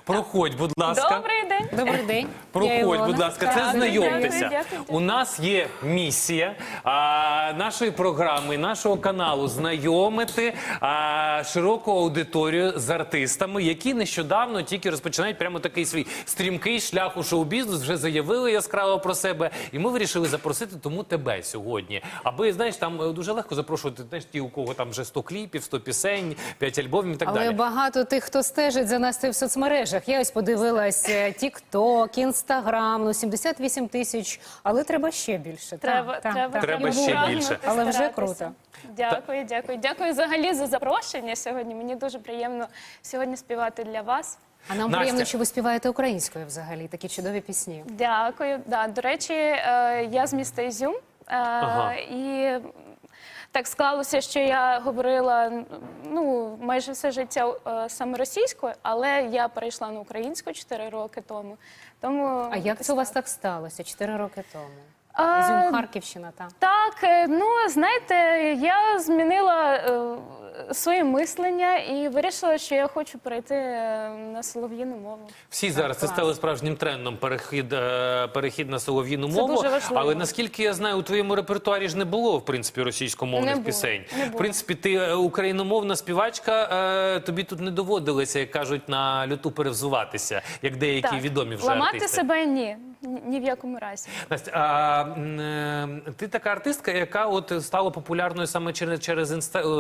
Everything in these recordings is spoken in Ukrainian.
Проходь, будь ласка. Добрий день. Добрий день. Я Проходь, Ілона. будь ласка, це Дякую, знайомтеся. дякую. У нас є місія нашої програми, нашого каналу знайомити широку аудиторію з артистами, які нещодавно тільки розпочинають прямо такий свій стрімкий шлях у шоу-бізнес, вже заявили яскраво про себе. І ми вирішили запросити тому тебе сьогодні. Аби, знаєш, там дуже легко запрошувати, знаєш, ті, у кого там вже 100 кліпів, 100 пісень, 5 альбомів і так Але далі. багато тих, хто стежить за нас в соцмережах. Я ось подивилась TikTok, Instagram, ну 78 тисяч, але треба ще більше. Треба Треба ще прагнути, більше. Але вже старатися. круто. Дякую, дякую. Дякую взагалі за запрошення сьогодні. Мені дуже приємно сьогодні співати для вас. А нам Настя. приємно, що ви співаєте українською взагалі, такі чудові пісні. Дякую. Да, до речі, я з міста Ізюм. І так склалося, що я говорила майже все життя саме російською, але я перейшла на українську 4 роки тому. А як це у вас так сталося 4 роки тому? А, Ізюм, Харківщина, так? Так, знаєте, я змінила своє мислення і вирішила, що я хочу перейти на солов'їну мову. Всі зараз це стало справжнім трендом, перехід на солов'їну мову. дуже важливо. Але наскільки я знаю, у твоєму репертуарі ж не було, в принципі, російськомовних Не було, пісень. не було. В принципі, ти україномовна співачка, тобі тут не доводилося, як кажуть, на люту перевзуватися, як деякі відомі вже ламати артисти. себе ні в якому разі. Настя, ти така артистка, яка от стала популярною саме через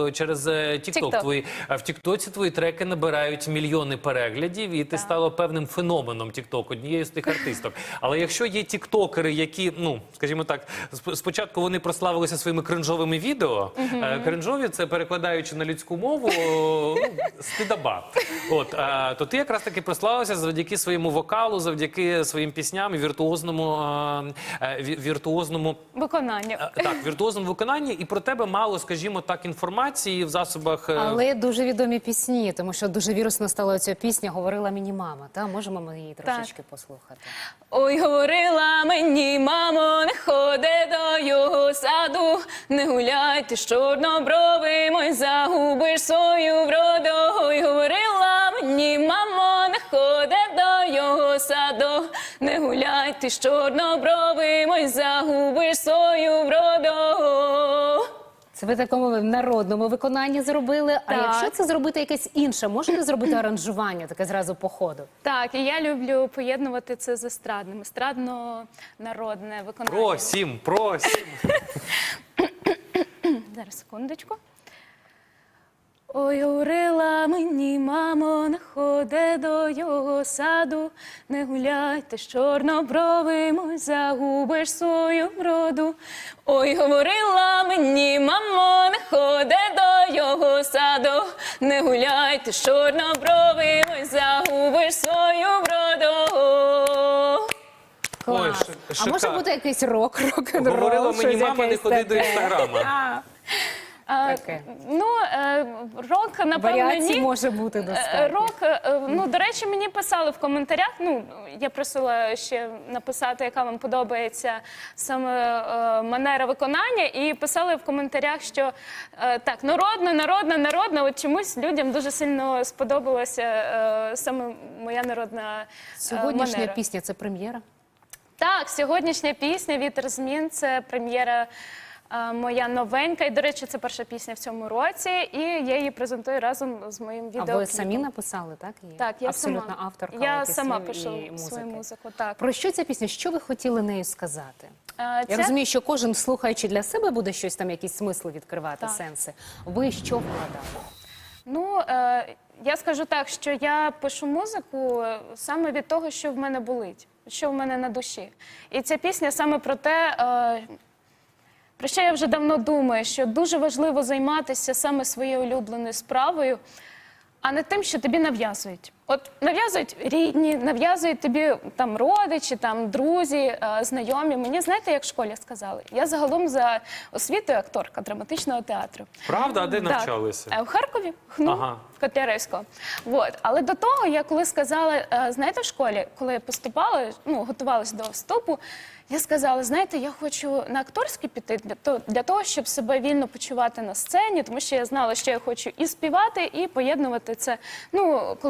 TikTok. В Тіктоці твої треки набирають мільйони переглядів, і ти стала певним феноменом TikTok, однією з тих артисток. Але якщо є тіктокери, які, скажімо так, спочатку вони прославилися своїми кринжовими відео, кринжові, це перекладаючи на людську мову, стидаба. То ти якраз таки прославилася завдяки своєму вокалу, завдяки своїм пісням і віртуозному Виконання. віртуозному виконанні, і про тебе мало, скажімо так, інформації в засобах. Але дуже відомі пісні, тому що дуже вірусно стала ця пісня «Говорила мені мама». Можемо ми її трошечки послухати? Ой, говорила мені, мамо, не ходи до його саду, не гуляй ти з чорнобровим, ой, загубиш свою вроду. Ой, говорила мені, мамо, не ходи до його саду, не гуляй ти з чорнобровим, ой, загубиш свою вроду. Це ви в такому народному виконанні зробили, а Так. якщо це зробити якесь інше, можете зробити аранжування, таке зразу по ходу? Так, і я люблю поєднувати це з естрадним, естрадно-народне виконання. Просім. Зараз, секундочку. Ой, говорила мені, мамо, не ходи до його саду, не гуляй ти з чорнобровим, ой, загубиш свою вроду. Ой, говорила мені, мамо, не ходи до його саду, не гуляй ти з чорнобровим, ой, загубиш свою вроду. Ой, Клас. А шикарно. може бути якийсь рок-н-рол? Говорила мені щось мама, не якесь ходи до таке? інстаграма. Таке. Рок, напевно, Варіацій ні. може бути достатньо. Рок, до речі, мені писали в коментарях, я просила ще написати, яка вам подобається саме манера виконання, і писали в коментарях, що так, народна, от чомусь людям дуже сильно сподобалася саме моя народна Сьогоднішня манера. пісня – це прем'єра? Так, сьогоднішня пісня «Вітер змін» – це прем'єра моя новенька. І, до речі, це перша пісня в цьому році. І я її презентую разом з моїм А відеокліпом. ви самі написали, так? її? Так, я Абсолютно сама. авторка Я пісень сама і пишу музики. свою музику. Так. Про що ця пісня? Що ви хотіли нею сказати? Я Це- розумію, що кожен, слухаючи для себе, буде щось там, якісь смисли відкривати, Так. сенси. Ви що вкладали? Я скажу так, що я пишу музику саме від того, що в мене болить, що в мене на душі. І ця пісня саме про те, про що я вже давно думаю, що дуже важливо займатися саме своєю улюбленою справою, а не тим, що тобі нав'язують. От нав'язують рідні, нав'язують тобі там родичі, там друзі, знайомі. Мені, знаєте, як в школі сказали? Я загалом за освітою акторка драматичного театру. Правда? А де Так. навчалися? В Харкові, ХНУ, в Котляревського. Але до того, я коли сказала, знаєте, в школі, коли я поступала, готувалася до вступу, я сказала, знаєте, я хочу на акторський піти для того, щоб себе вільно почувати на сцені, тому що я знала, що я хочу і співати, і поєднувати це. Коли ти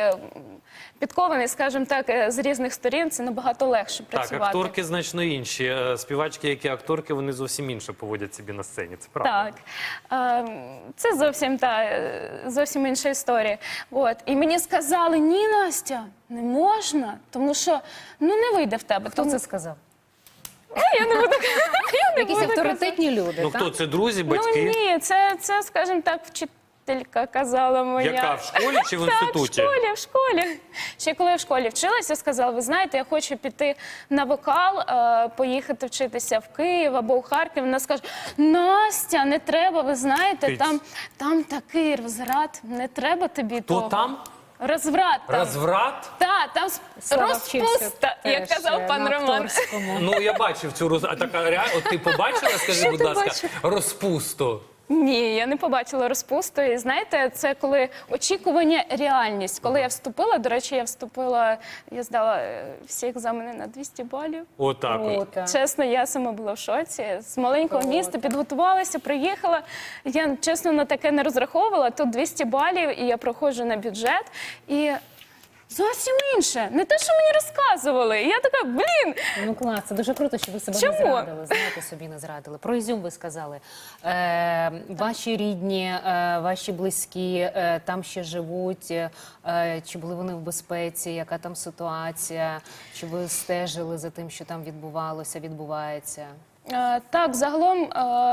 підкований, скажімо так, з різних сторін, це набагато легше Так, працювати. акторки значно інші. Співачки, які акторки, вони зовсім інше поводять собі на сцені. Це правда. Так, це зовсім інша історія. От. І мені сказали, ні, Настя, не можна, тому що не вийде в тебе. Хто це сказав? Я не буду Якісь авторитетні люди, Ну так? хто це? Друзі, батьки? Ну ні, це, скажімо так, вчителька казала моя. Яка, в школі чи в інституті? Так, в школі. Ще коли я в школі вчилася, сказала, ви знаєте, я хочу піти на вокал, поїхати вчитися в Київ або в Харків. Вона скаже, Настя, не треба, ви знаєте, там такий розврат, не треба тобі Хто того. там? Розврат там. Розврат? Так, там Слава вчився розпуста, як теж казав пан на Роман. акторському. Ну, я бачив цю роз... А така реально, от ти побачила, скажи, будь ласка, бачив? розпусту. Ні, я не побачила розпусту. І знаєте, це коли очікування, реальність. Коли я вступила, до речі, я здала всі екзамени на 200 балів. Отак от. Круто. Чесно, я сама була в шоці. З маленького міста підготувалася, приїхала. Я, чесно, на таке не розраховувала. Тут 200 балів, і я проходжу на бюджет. І зовсім інше. Не те, що мені розказували. І я така, блін, Ну клас, це дуже круто, що ви себе Чому? не зрадили. Знаєте, собі не зрадили. Про Ізюм ви сказали. Ваші рідні, ваші близькі там ще живуть. Чи були вони в безпеці? Яка там ситуація? Чи ви стежили за тим, що там відбувається? Так, загалом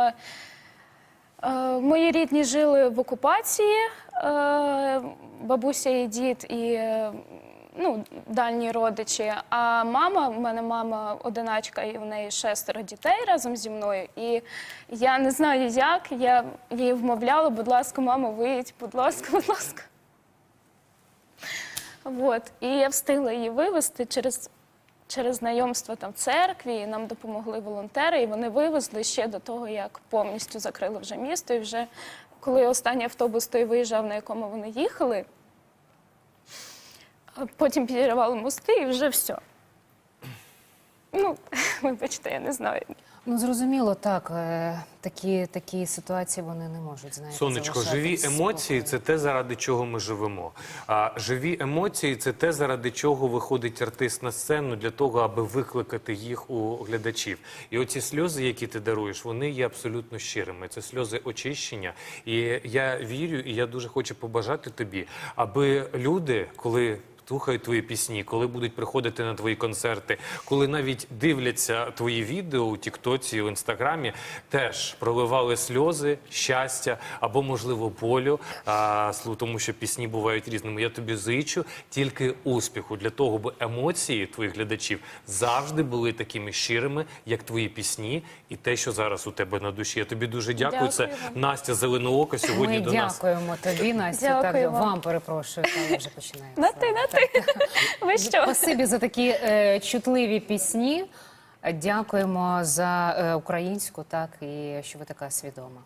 мої рідні жили в окупації, бабуся і дід, і дальні родичі. А мама, в мене мама одиначка, і в неї 6 дітей разом зі мною. І я не знаю як, я її вмовляла, будь ласка, мамо, виїдь, будь ласка, будь ласка. От. І я встигла її вивезти через знайомство там в церкві, і нам допомогли волонтери, і вони вивезли ще до того, як повністю закрили вже місто. І вже коли останній автобус той виїжджав, на якому вони їхали, потім підірвали мости і вже все. Ну, вибачте, я не знаю. Ну, зрозуміло, так. Такі ситуації, вони не можуть, знаєте, Сонечко, залишати живі емоції – спокою. це те, заради чого ми живемо. А живі емоції – це те, заради чого виходить артист на сцену, для того, аби викликати їх у глядачів. І оці сльози, які ти даруєш, вони є абсолютно щирими. Це сльози очищення. І я вірю, і я дуже хочу побажати тобі, аби люди, коли слухають твої пісні, коли будуть приходити на твої концерти, коли навіть дивляться твої відео у Тіктоці, у Інстаграмі, теж проливали сльози, щастя або, можливо, болю, тому що пісні бувають різними. Я тобі зичу тільки успіху для того, аби емоції твоїх глядачів завжди були такими щирими, як твої пісні і те, що зараз у тебе на душі. Я тобі дуже дякую. Дякую Це вам. Настя Зеленоока сьогодні Ми до нас. дякуємо тобі, Настя. Дякую Так, вам. вам перепрошую, там вже починаємо. На ти. Ви що? Спасибі за такі чутливі пісні. Дякуємо за українську, так, і що ви така свідома.